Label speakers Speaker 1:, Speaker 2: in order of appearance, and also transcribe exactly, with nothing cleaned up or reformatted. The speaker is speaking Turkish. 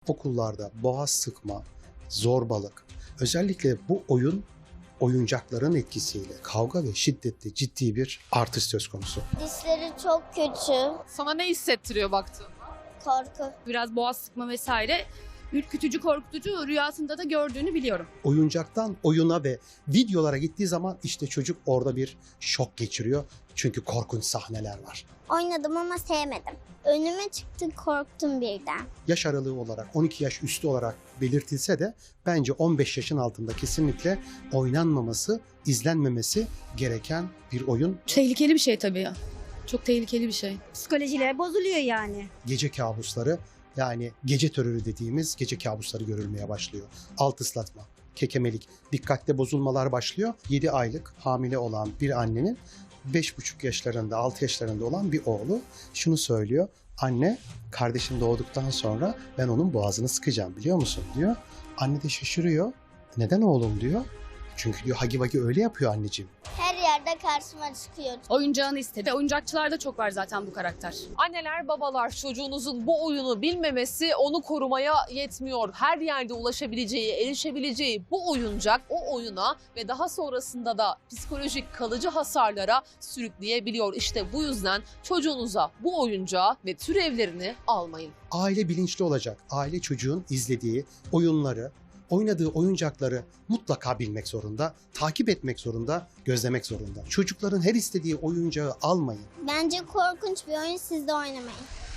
Speaker 1: okullarda boğaz sıkma, zorbalık, özellikle bu oyun oyuncakların etkisiyle kavga ve şiddette ciddi bir artış söz konusu.
Speaker 2: Dişleri çok kötü.
Speaker 3: Sana ne hissettiriyor baktığında?
Speaker 2: Korku.
Speaker 4: Biraz boğaz sıkma vesaire ürkütücü, korkutucu, rüyasında da gördüğünü biliyorum.
Speaker 1: Oyuncaktan oyuna ve videolara gittiği zaman işte çocuk orada bir şok geçiriyor. Çünkü korkunç sahneler var.
Speaker 2: Oynadım ama sevmedim. Önüme çıktı, korktum birden.
Speaker 1: Yaş aralığı olarak on iki yaş üstü olarak belirtilse de bence on beş yaşın altında kesinlikle oynanmaması, izlenmemesi gereken bir oyun.
Speaker 4: Tehlikeli bir şey tabii ya. Çok tehlikeli bir şey.
Speaker 5: Psikolojileri bozuluyor yani.
Speaker 1: Gece kabusları, yani gece terörü dediğimiz gece kabusları görülmeye başlıyor. Alt ıslatma, kekemelik, dikkatte bozulmalar başlıyor. yedi aylık hamile olan bir annenin beş buçuk yaşlarında, altı yaşlarında olan bir oğlu şunu söylüyor. Anne, kardeşim doğduktan sonra ben onun boğazını sıkacağım, biliyor musun diyor. Anne de şaşırıyor. Neden oğlum diyor. Çünkü diyor Hagi Vagi öyle yapıyor anneciğim.
Speaker 2: Her yerde karşıma çıkıyor.
Speaker 4: Oyuncağını istedi. Oyuncakçılarda çok var zaten bu karakter.
Speaker 3: Anneler, babalar çocuğunuzun bu oyunu bilmemesi onu korumaya yetmiyor. Her yerde ulaşabileceği, erişebileceği bu oyuncak o oyuna ve daha sonrasında da psikolojik kalıcı hasarlara sürükleyebiliyor. İşte bu yüzden çocuğunuza bu oyuncağı ve türevlerini almayın.
Speaker 1: Aile bilinçli olacak. Aile çocuğun izlediği oyunları, oynadığı oyuncakları mutlaka bilmek zorunda, takip etmek zorunda, gözlemek zorunda. Çocukların her istediği oyuncağı almayın.
Speaker 2: Bence korkunç bir oyun, siz de oynamayın.